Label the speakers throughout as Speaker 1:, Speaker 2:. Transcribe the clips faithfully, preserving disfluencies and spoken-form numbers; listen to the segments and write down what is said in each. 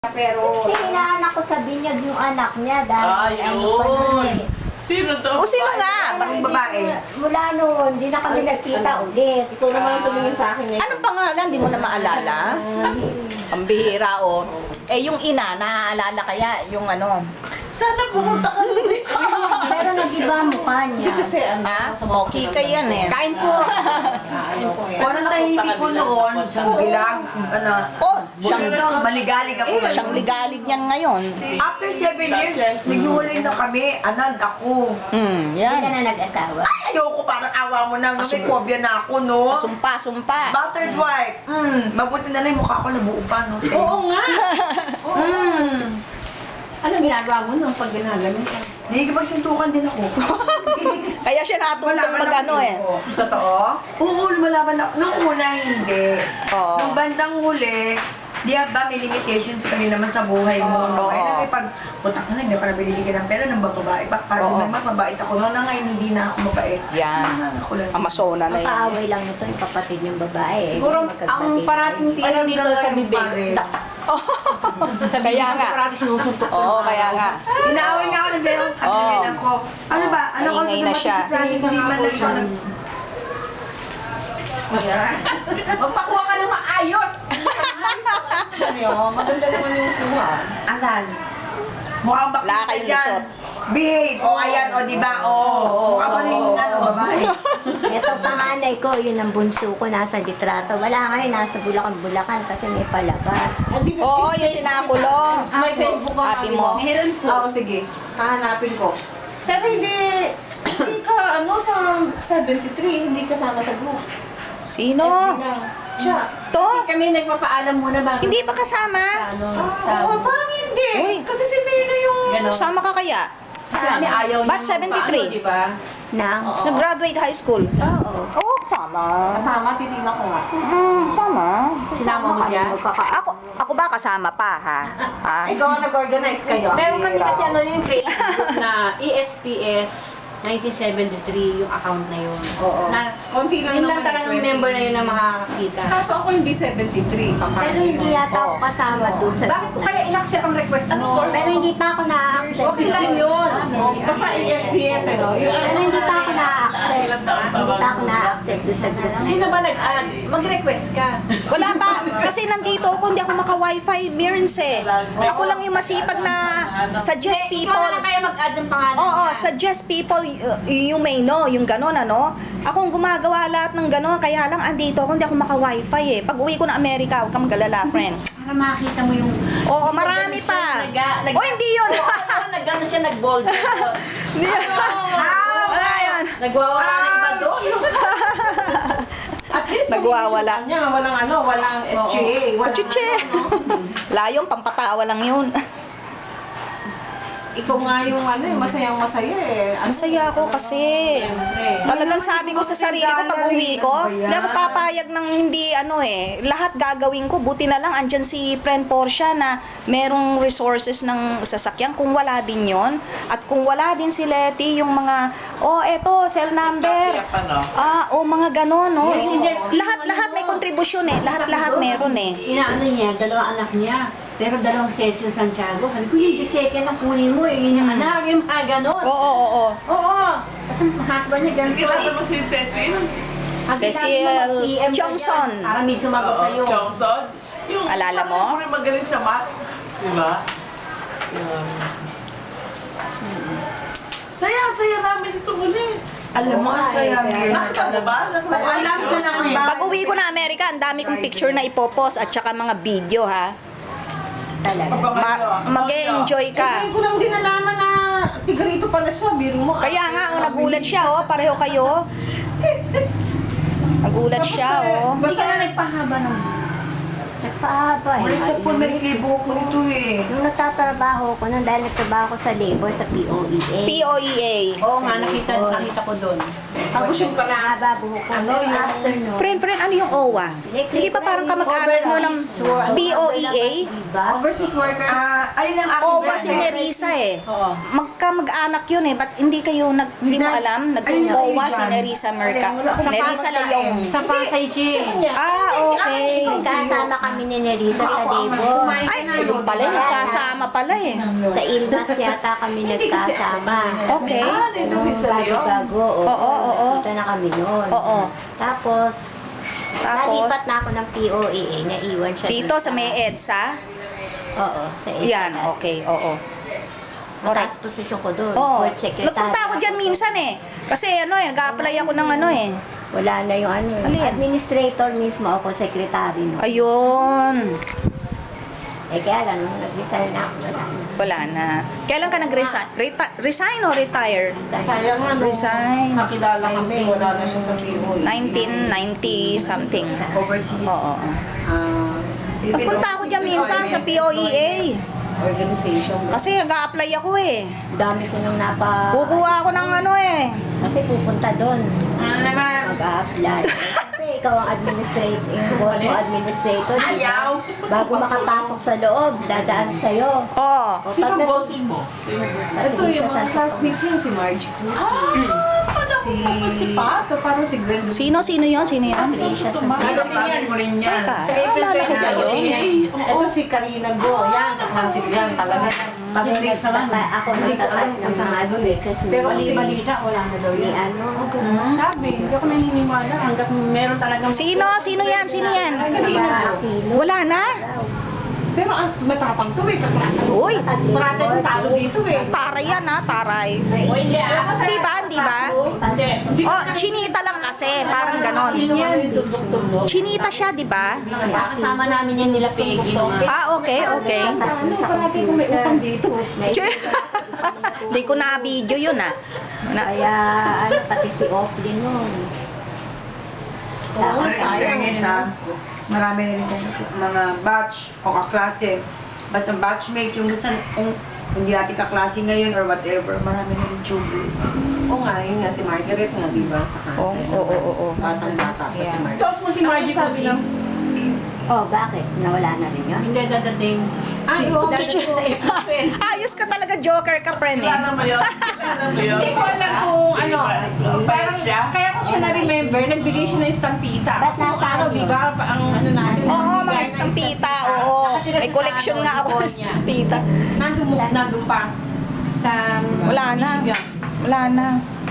Speaker 1: Pero,
Speaker 2: Kasi hinaanak ko sa binyag yung anak niya dahil ano pa nun
Speaker 3: Ayun.
Speaker 2: eh.
Speaker 3: Sino to?
Speaker 4: O sino nga?
Speaker 5: Bakong babae?
Speaker 2: Mula noon, hindi na kami nagkita ulit.
Speaker 1: ikaw naman ang tumingin sa akin eh.
Speaker 4: Anong pangalan? Di mo na maalala? Ang bihira, o. Eh, yung ina, naaalala kaya yung ano?
Speaker 3: Sana pumunta ka rin.
Speaker 2: Pero nag-iba ang mukha
Speaker 1: Hindi
Speaker 2: niya.
Speaker 1: kasi ano,
Speaker 4: Ha?
Speaker 1: sa mga
Speaker 4: Okay ka yan eh.
Speaker 2: Kain po.
Speaker 1: ano po yan.
Speaker 5: Parang tahimik ko noon, siyang bilang, ano,
Speaker 4: Oh,
Speaker 5: siyang
Speaker 4: siyang,
Speaker 5: maligalig ako.
Speaker 4: eh, siyang ligalig niyan ngayon.
Speaker 5: After seven years, naghiwalay na kami, anad ako.
Speaker 4: Hmm,
Speaker 2: Hindi ka
Speaker 4: yan.
Speaker 2: na nag-asawa.
Speaker 5: Ay, ayoko, parang awa mo na, no? May phobia na ako, no?
Speaker 4: Sumpa, sumpa.
Speaker 5: Battered wife. Mm, mabuti na lang yung mukha ko nabuo pa, no?
Speaker 1: Oo nga!
Speaker 5: Mm.
Speaker 1: Ano ginagawa mo nung pag ginaganon ka?
Speaker 5: Nakikipagsuntukan din ako.
Speaker 4: Kaya siya natutong
Speaker 5: Malaman
Speaker 4: mag ano
Speaker 5: ako.
Speaker 4: eh.
Speaker 1: Totoo?
Speaker 5: Oo, lumalaban ako. Nung una, hindi.
Speaker 4: Oo.
Speaker 5: Nung bandang huli, di ba may limitations ka rin naman sa buhay mo.
Speaker 4: Oo.
Speaker 5: Kaya na pag putak na, hindi ako na binibigyan ng pera ng babae. Pa, para
Speaker 4: Oo.
Speaker 5: may mapabait ako. Noon na ngayon, hindi na ako mabait.
Speaker 4: Yan.
Speaker 5: Ah, ako lang.
Speaker 4: Amasona na
Speaker 2: Ang
Speaker 4: yan.
Speaker 2: kaaway lang nito yung kapatid yung babae. eh.
Speaker 1: Siguro,
Speaker 2: Magkakapatid.
Speaker 1: ang parating tira
Speaker 5: Ayun,
Speaker 1: dito
Speaker 5: gano'n
Speaker 1: sa
Speaker 5: yung
Speaker 1: bibig.
Speaker 5: pare.
Speaker 1: da- Sa bibig
Speaker 4: Kaya
Speaker 1: ko
Speaker 4: nga.
Speaker 1: parati sinusuntok ko.
Speaker 4: Oo, kaya nga.
Speaker 5: Inaaway nga ako ng bero sa
Speaker 4: Oo.
Speaker 5: kanila ko. Ano ba? Ano ko
Speaker 4: Maingay
Speaker 5: sa
Speaker 4: na siya.
Speaker 5: si Francis, hindi man lang siya nag...
Speaker 1: Magpakuha ka ng maayos! Ano yun? Maganda naman yung kuha.
Speaker 5: Asan? Mukhang bakit
Speaker 4: Wala
Speaker 5: ka
Speaker 4: kayong
Speaker 5: dyan.
Speaker 4: lusot.
Speaker 5: Behave. O, ayan. O, di ba? O. Mukha pa rin yung ano, babae.
Speaker 2: Ito panganay ko, yun ang bunso ko, nasa litrato. Wala ngayon, nasa Bulacan-Bulacan kasi may palabas.
Speaker 4: Oo, yung sinakulong.
Speaker 1: May Facebook ko
Speaker 4: Happy mo.
Speaker 1: Meron po. Oo, sige. Hahanapin ko. Pero hindi, hindi ka, ano, sa seventy-three, hindi kasama sa group.
Speaker 4: Sino?
Speaker 1: F B lang. Siya.
Speaker 4: To?
Speaker 6: Kami nagpapaalam muna bago
Speaker 4: Hindi ba kasama?
Speaker 6: ano,
Speaker 1: Ah,
Speaker 6: sa
Speaker 1: oo, parang hindi.
Speaker 4: Uy.
Speaker 1: Kasi si Mayor na yung...
Speaker 6: gano'n.
Speaker 4: Sama ka kaya?
Speaker 6: Kasi kami ayaw
Speaker 4: Ba't
Speaker 6: niyang
Speaker 4: seventy-three?
Speaker 6: paano, di ba?
Speaker 2: Nang?
Speaker 1: Oo.
Speaker 4: Nag-graduate high school?
Speaker 2: Oo.
Speaker 4: Oo, sama.
Speaker 1: Kasama, tinila ko nga.
Speaker 4: Mm, sama.
Speaker 6: Sinama mo siya?
Speaker 4: Ako, ako ba kasama pa, ha? Ha?
Speaker 1: Ikaw ang nag-organize kayo.
Speaker 6: Meron kami kasi ano yung Facebook na E S P S nineteen seventy-three yung account na yun.
Speaker 1: Oo.
Speaker 6: Na,
Speaker 1: Konti lang
Speaker 6: yun lang
Speaker 1: naman
Speaker 6: talagang
Speaker 1: eh, twenty.
Speaker 6: member na yun na makakakita.
Speaker 1: Kaso ako hindi seventy-three.
Speaker 2: Pero hindi yata ako kasama dun sa
Speaker 6: Bakit ko kaya in-accept ang request mo?
Speaker 2: Pero hindi pa ako na-accept.
Speaker 6: Okay lang yun.
Speaker 1: Oh, basta E S P S, ano? Yung
Speaker 2: Pero hindi pa ako na-accept.
Speaker 3: Ilang taon pa
Speaker 2: Hindi
Speaker 3: ba?
Speaker 2: pa ako na-accept dun sa group.
Speaker 6: Sino ba nag-add? Mag-request ka.
Speaker 4: Wala pa. Kasi nandito ako, hindi ako maka-wifi. Mirrors eh. Ako lang yung masipag na suggest
Speaker 6: Eh,
Speaker 4: people.
Speaker 6: Ikaw na lang kaya mag-add ng pangalan
Speaker 4: Oo,
Speaker 6: niya.
Speaker 4: suggest people, uh, you may know, yung gano'n, ano? Akong gumagawa lahat ng gano'n, kaya lang andito ako, hindi ako maka-wifi eh. Pag uwi ko ng Amerika, huwag kang magalala, friend.
Speaker 6: Para makita mo yung...
Speaker 4: Oo, marami
Speaker 6: Nag-
Speaker 4: pa.
Speaker 6: nag- nag-
Speaker 4: Oh, hindi yun.
Speaker 6: Oo, nag-ano siya, nag-bold.
Speaker 4: Hindi yun. Wala yun.
Speaker 6: Nagwawala ng iba doon.
Speaker 1: At least
Speaker 4: Nagwawala.
Speaker 1: mag-issue ka niya, walang ano, walang S G A. Walang
Speaker 4: Chuche.
Speaker 1: ano, no?
Speaker 4: Layong, pampatawa lang yun.
Speaker 1: Ikaw nga yung ano, eh, masayang masaya eh. Ano,
Speaker 4: Masaya ako kasi.
Speaker 6: Siyempre.
Speaker 4: Talagang sabi ko sa sarili ko pag uwi ko, hindi ako papayag ng hindi ano eh. Lahat gagawin ko. Buti na lang andyan si friend Portia na merong resources ng sasakyan. Kung wala din yon at kung wala din si Letty, yung mga, oh eto, cell number.
Speaker 3: Kaya pa, no?
Speaker 4: Ah, oh mga ganon, no?
Speaker 6: Yes, yes.
Speaker 4: Lahat, lahat may kontribusyon eh. Lahat, lahat meron eh.
Speaker 6: Inaano niya, dalawang anak niya. Pero dalawang Cecil Santiago. Sabi ko, yung second na kunin mo, eh, yun yung anak, yung mga ganon.
Speaker 4: Oo, oo, oo.
Speaker 6: Oo. Kasi yung husband niya, ganun.
Speaker 3: Kilala mo si Cecil?
Speaker 4: Cecil Johnson.
Speaker 6: Para may sumagot
Speaker 3: Oo,
Speaker 6: sa'yo.
Speaker 3: Johnson? Yung
Speaker 4: Alala mo?
Speaker 3: parang magaling sa math. Di ba? Yun. Saya, saya namin ito muli.
Speaker 5: Alam mo, ang saya, Mir.
Speaker 3: Nakita mo ba? Nakita mo?
Speaker 5: Alam ko na ang
Speaker 4: Pag uwi ko na Amerika, ang dami kong picture na ipopost at saka mga video ha.
Speaker 2: Talaga.
Speaker 4: Ma- mag-enjoy
Speaker 1: Eh,
Speaker 4: ka.
Speaker 1: ngayon ko lang din nalaman na tigrito pala siya, biro mo.
Speaker 4: Kaya nga, oh, nagulat siya, oh. Pareho kayo. Nagulat siya, oh.
Speaker 6: Hindi ka na nagpahaba ng...
Speaker 2: Nagpahaba eh.
Speaker 5: Ulit sa pool, may klibo ko nito eh.
Speaker 2: Nung nagtatrabaho ko, nung dahil nagtrabaho ko sa labor sa P O E A.
Speaker 4: P O E A.
Speaker 6: Oo nga, nakita, nakita ko doon.
Speaker 1: Tapos yung pala,
Speaker 2: Haba buhok ko.
Speaker 1: Ano yung-
Speaker 2: Afternoon.
Speaker 4: Friend, friend, ano yung O W A? Hindi ba parang kamag-anak mo ng B O E A?
Speaker 2: Diba?
Speaker 1: overseas workers.
Speaker 5: Ah, alin ang aking
Speaker 4: O W A si
Speaker 5: friend?
Speaker 4: Nerissa eh.
Speaker 6: Oo.
Speaker 4: Magkamag-anak yun eh. Ba't hindi kayo, nag, hindi mo alam? Nag-O W A si Nerissa Merca. Nerissa Leong.
Speaker 6: Sa Pasay siya.
Speaker 4: Ah, okay.
Speaker 2: Kasama kami ni Nerissa sa Debo.
Speaker 4: Ay, yun pala, nagkasama pala eh.
Speaker 2: Sa Ilmas yata kami nagkasama.
Speaker 4: Okay.
Speaker 3: Ah, nandun din sa Leon.
Speaker 2: Bago-bago.
Speaker 4: Oo, oo, oo.
Speaker 2: Nakita na kami noon.
Speaker 4: Oo.
Speaker 2: Tapos,
Speaker 4: Tapos,
Speaker 2: nalipat na ako ng P O E A. Naiwan siya.
Speaker 4: dito
Speaker 2: dun
Speaker 4: sa may EDSA.
Speaker 2: Oo, sa EDSA.
Speaker 4: Yan, okay, oo.
Speaker 2: Mataas posisyon ko doon.
Speaker 4: Oo.
Speaker 2: Board secretary.
Speaker 4: Nagpunta ako dyan minsan eh. Kasi ano eh, nag-apply ako ng ano eh.
Speaker 2: Wala na yung ano.
Speaker 4: Ano
Speaker 2: yung
Speaker 4: yan?
Speaker 2: administrator mismo ako, secretary no.
Speaker 4: Ayun.
Speaker 2: Eh kaya lang, nung nag-resign na ako, wala na.
Speaker 4: Wala na. Kailan ka nag-resign? Reti- resign o retire?
Speaker 1: Sayang nga, no.
Speaker 4: Resign.
Speaker 1: Kakilala kami, wala na siya sa P O E.
Speaker 4: nineteen ninety something.
Speaker 5: Overseas.
Speaker 4: Oo.
Speaker 1: Ah,
Speaker 4: Nagpunta ako dyan minsan sa P O E A.
Speaker 1: organization.
Speaker 4: Kasi nag-a-apply ako eh.
Speaker 2: Dami ko nung napa...
Speaker 4: Kukuha ako ng ano eh.
Speaker 2: Kasi pupunta doon.
Speaker 5: Ano naman?
Speaker 2: Mag-a-apply. Kasi ikaw ang administrator, yung boss mo administrator. di ba?
Speaker 5: Ayaw.
Speaker 2: Bago makapasok sa loob, dadaan sa'yo.
Speaker 4: Oo.
Speaker 2: O,
Speaker 3: Sino
Speaker 2: pag-
Speaker 3: bossing mo? Sino bossing mo?
Speaker 1: Ito yung mga classmate niya, si Margie Cruz. Si, si Pato, parang si Gwen.
Speaker 4: Sino, sino yon? Sino yon?
Speaker 2: Apply siya sa
Speaker 5: Sabi mo rin yan.
Speaker 4: Teka, alala ko ba yun?
Speaker 1: Ito si Karina Go. Yan, kaklase ko yan. Talaga yan.
Speaker 2: Hindi, nagtaka- ako
Speaker 1: Hindi ko alam
Speaker 2: nagtakat ng
Speaker 1: kung saan
Speaker 2: mga
Speaker 1: doon eh.
Speaker 2: speakers ni
Speaker 1: Pero
Speaker 6: Mali
Speaker 1: kasi-
Speaker 6: balita, wala na daw
Speaker 2: ni
Speaker 6: yan.
Speaker 2: ano.
Speaker 6: Sabi, hindi ako naniniwala hanggat meron talagang...
Speaker 4: Sino? Sino yan? Sino yan?
Speaker 1: Karina Go.
Speaker 2: Aquino.
Speaker 4: Wala na?
Speaker 1: Pero ang matapang to eh. Kaklase.
Speaker 4: Uy,
Speaker 1: Parate yung talo dito eh.
Speaker 4: taray yan ha, taray.
Speaker 6: O hindi ah.
Speaker 4: Di ba? Di ba?
Speaker 6: Hindi.
Speaker 4: Oh, chinita lang kasi, parang ganon. Chinita siya, di ba?
Speaker 6: Kasama namin yan nila Peggy. Mga...
Speaker 4: Ah, okay, okay.
Speaker 1: Ano, parate kung may utang dito.
Speaker 4: Di ko na-video yun ah. Na,
Speaker 2: Kaya ano, pati si Offlin nun.
Speaker 1: Oo, sayang
Speaker 5: Fairness,
Speaker 1: eh.
Speaker 5: ha? Marami na rin kong mga batch o kaklase. Basta batchmate, yung gusto, kung hindi natin kaklase ngayon or whatever, marami na rin tube.
Speaker 1: Oo nga, yun nga si Margaret nga, di ba? Sa cancer.
Speaker 4: Oo, oo, oo, oo.
Speaker 1: Batang-bata pa si
Speaker 4: Yeah.
Speaker 1: Margaret.
Speaker 6: Tapos mo si Margie
Speaker 1: Sabi
Speaker 6: Cosi.
Speaker 1: lang,
Speaker 2: Oh, bakit? Nawala na rin yun?
Speaker 6: Hindi dadating.
Speaker 1: Ay, oo.
Speaker 6: Dadating sa April.
Speaker 4: ayos ka talaga, joker ka, friend eh.
Speaker 3: Kilala mo yun? Kilala mo yun?
Speaker 1: Hindi ko alam kung ano. Parang,
Speaker 3: siya?
Speaker 1: kaya ko siya na-remember, nagbigay siya ng estampita.
Speaker 2: Ba't
Speaker 1: Kasi kung
Speaker 2: nasaan
Speaker 1: ano,
Speaker 2: yun?
Speaker 1: di ba? pa- Ang ano natin.
Speaker 4: Oo, mga
Speaker 1: nagbigay ng
Speaker 4: estampita, oo.
Speaker 6: Nakatira
Speaker 4: May
Speaker 6: siya
Speaker 4: collection
Speaker 6: sa
Speaker 4: nga
Speaker 6: ano,
Speaker 4: ako ng
Speaker 6: California.
Speaker 4: estampita.
Speaker 1: Nandun, mo- nandun pa.
Speaker 6: Sa
Speaker 4: Wala na.
Speaker 6: Michigan.
Speaker 4: Wala na.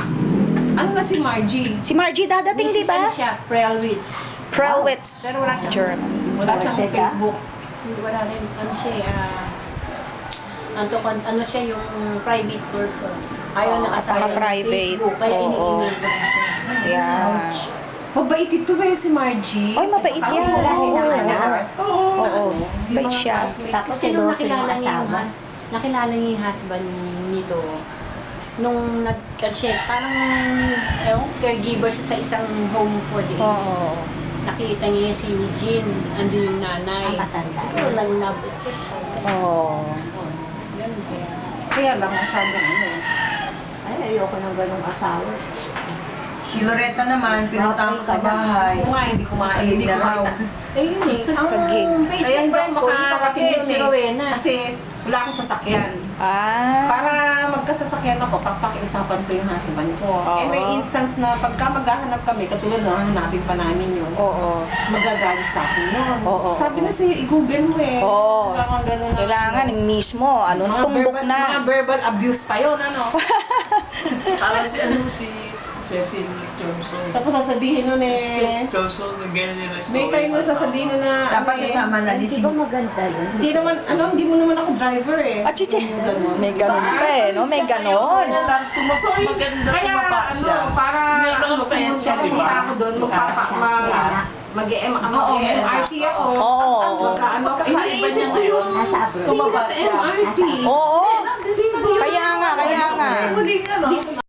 Speaker 1: Ano na si Margie?
Speaker 4: Si Margie dadating, di
Speaker 6: Misis ano
Speaker 4: ba?
Speaker 6: siya, Prelwitz.
Speaker 4: Prelwitz.
Speaker 6: Pero wala siyang-
Speaker 4: German.
Speaker 1: Wala siyang
Speaker 2: Teka.
Speaker 1: Facebook.
Speaker 6: Hindi, wala rin. Ano siya, eh, ah... ano, ano siya yung private person. Ayaw
Speaker 1: Oo,
Speaker 6: na kasama ng
Speaker 4: naka-private.
Speaker 6: Facebook. Kaya
Speaker 4: Oo.
Speaker 6: ini-email ko na siya.
Speaker 4: Yeah.
Speaker 1: Mabait ito eh, si Margie.
Speaker 4: Ay, mabait
Speaker 1: Kasi
Speaker 4: yan.
Speaker 1: wala
Speaker 2: Oo.
Speaker 1: silang anak.
Speaker 3: Oo.
Speaker 4: Oo.
Speaker 1: Yung
Speaker 4: Bait
Speaker 1: mga
Speaker 4: siya.
Speaker 1: classmate.
Speaker 2: Tapos
Speaker 6: Kasi nung
Speaker 2: seloso yung
Speaker 6: nakilala niya yung,
Speaker 2: asawa.
Speaker 6: hus- nakilala niya yung husband nito, nung nag-check, parang, ewan, caregiver siya sa isang home for the aged.
Speaker 4: Oo.
Speaker 6: Nakita niya si Eugene, andun yung nanay.
Speaker 2: Ang matanda.
Speaker 6: Siguro nag-love at first sight.
Speaker 4: Oo.
Speaker 6: Yan, kaya.
Speaker 1: Kaya lang masyadong ano.
Speaker 2: Ay, ayoko ng ganong asawa.
Speaker 5: Si Loretta naman, pinuntahan ko sa bahay.
Speaker 1: Kung nga, hindi kumain, hindi
Speaker 5: Sa
Speaker 1: kumain.
Speaker 6: Eh yun eh, ang
Speaker 4: Pag-gig.
Speaker 6: Facebook
Speaker 1: Kaya hindi
Speaker 6: friend
Speaker 1: ako
Speaker 6: ko, yung
Speaker 1: makakarating
Speaker 6: kapatid,
Speaker 1: yun
Speaker 6: si
Speaker 1: eh.
Speaker 6: Rowena.
Speaker 1: Kasi wala akong sasakyan.
Speaker 4: Ah.
Speaker 1: Para magkasasakyan ako, papakiusapan ko yung husband ko.
Speaker 4: Oo.
Speaker 1: Eh may instance na pagka maghahanap kami, katulad na hanapin pa namin yun,
Speaker 4: Oo.
Speaker 1: magagalit sa akin yun.
Speaker 4: Oo.
Speaker 1: Sabi na si i-google mo eh.
Speaker 4: Oo.
Speaker 1: Parang ganun na.
Speaker 4: Kailangan mismo, ano,
Speaker 1: Mga
Speaker 4: tumbok
Speaker 1: verbal-
Speaker 4: na.
Speaker 1: Mga verbal abuse pa yun, ano.
Speaker 3: Parang si ano si Cecil Johnson.
Speaker 1: Tapos sasabihin nun
Speaker 3: Si
Speaker 1: eh,
Speaker 3: Cecil Johnson, nag-ganyan nila
Speaker 1: may time na sasabihin nun na,
Speaker 5: Dapat
Speaker 1: ano eh,
Speaker 5: kasama na
Speaker 2: Hindi
Speaker 5: lising.
Speaker 2: ba maganda yun?
Speaker 1: hindi naman, ano, hindi mo naman ako driver eh.
Speaker 4: Ah, chiche.
Speaker 1: Yung ganun.
Speaker 4: May ganun pa eh, no? May ganon.
Speaker 1: So, yun,
Speaker 3: Maganda
Speaker 1: kaya
Speaker 3: tumapa
Speaker 1: ano,
Speaker 3: siya.
Speaker 1: para
Speaker 3: May mga
Speaker 1: ano,
Speaker 3: payat
Speaker 1: pumunta
Speaker 3: siya, di ba?
Speaker 1: pumunta ako doon, magpapa, mag, mag-M, mag-M R T ako.
Speaker 4: Oo.
Speaker 1: Magkaano, iniisip ko yung
Speaker 2: Nasa abroad.
Speaker 1: tumaba sa M R T.
Speaker 4: Oo. Kaya nga, kaya nga.
Speaker 3: Muling ano,